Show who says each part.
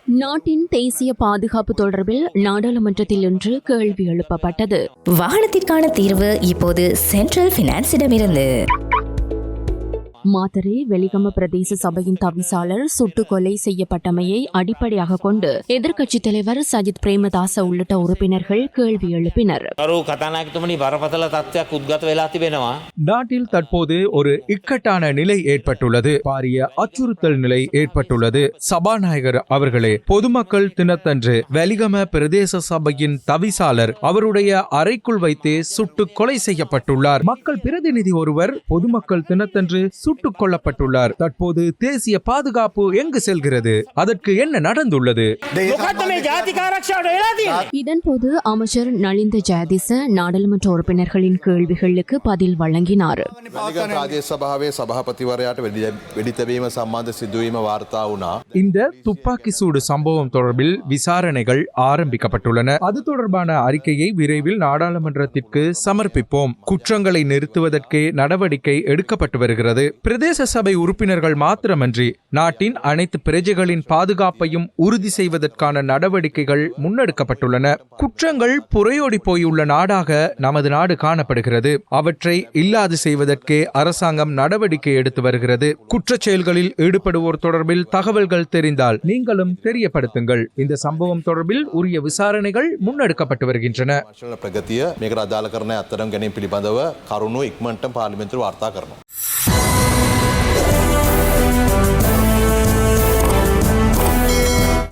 Speaker 1: நாட்டின் தேசிய பாதுகாப்பு தொடர்பில் நாடாளுமன்றத்தில் இன்று கேள்வி எழுப்பப்பட்டது.
Speaker 2: வாகனத்திற்கான தீர்வு இப்போது சென்ட்ரல் பினான்ஸிடமிருந்து.
Speaker 1: மாத்தறை வெலிகம பிரதேச சபையின் தவிசாளர் சுட்டுக் கொலை செய்யப்பட்டமையை அடிப்படையாக கொண்டு எதிர்க்கட்சித் தலைவர் சஜித் பிரேமதாச உள்ளிட்ட உறுப்பினர்கள் கேள்வி எழுப்பினர்.
Speaker 3: நாட்டில் தற்போது ஒரு இக்கட்டான நிலை ஏற்பட்டுள்ளது. பாரிய அச்சுறுத்தல் நிலை ஏற்பட்டுள்ளது. சபாநாயகர் அவர்களே, பொதுமக்கள் தினத்தன்று வெலிகம பிரதேச சபையின் தவிசாளர் அவருடைய அறைக்குள் வைத்தே சுட்டுக் கொலை செய்யப்பட்டுள்ளார். மக்கள் பிரதிநிதி ஒருவர் பொதுமக்கள் தினத்தன்று சுட்டுக் கொல்லப்பட்டுள்ளார். தற்போது தேசிய பாதுகாப்பு எங்கு செல்கிறது? அதற்கு என்ன நடந்துள்ளது?
Speaker 1: இதன்போது அமைச்சர் நலிந்த ஜெயதிச நாடாளுமன்ற உறுப்பினர்களின் கேள்விகளுக்கு பதில் வழங்கினார்.
Speaker 3: இந்த துப்பாக்கி சூடு சம்பவம் தொடர்பில் விசாரணைகள் ஆரம்பிக்கப்பட்டுள்ளன. அது தொடர்பான அறிக்கையை விரைவில் நாடாளுமன்றத்திற்கு சமர்ப்பிப்போம். குற்றங்களை நிறுத்துவதற்கே நடவடிக்கை எடுக்கப்பட்டு வருகிறது. பிரதேச சபை உறுப்பினர்கள் மாத்திரமன்றி நாட்டின் அனைத்து பிரஜைகளின் பாதுகாப்பையும் உறுதி செய்வதற்கான நடவடிக்கைகள் முன்னெடுக்கப்பட்டுள்ளன. குற்றங்கள் புரையோடி போயுள்ள நாடாக நமது நாடு காணப்படுகிறது. அவற்றை இல்லாது செய்வதற்கே அரசாங்கம் நடவடிக்கை எடுத்து வருகிறது. குற்றச் செயல்களில் ஈடுபடுவோர் தொடர்பில் தகவல்கள் தெரிந்தால் நீங்களும் தெரியப்படுத்துங்கள். இந்த சம்பவம் தொடர்பில் உரிய விசாரணைகள் முன்னெடுக்கப்பட்டு வருகின்றன.
Speaker 4: ප්‍රගතිය මේකට අදාළ කරන අත්තරම් ගැනීම පිළිබඳව කරුණු ඉක්මනට පාර්ලිමේන්තුවට වාර්තා කරනවා.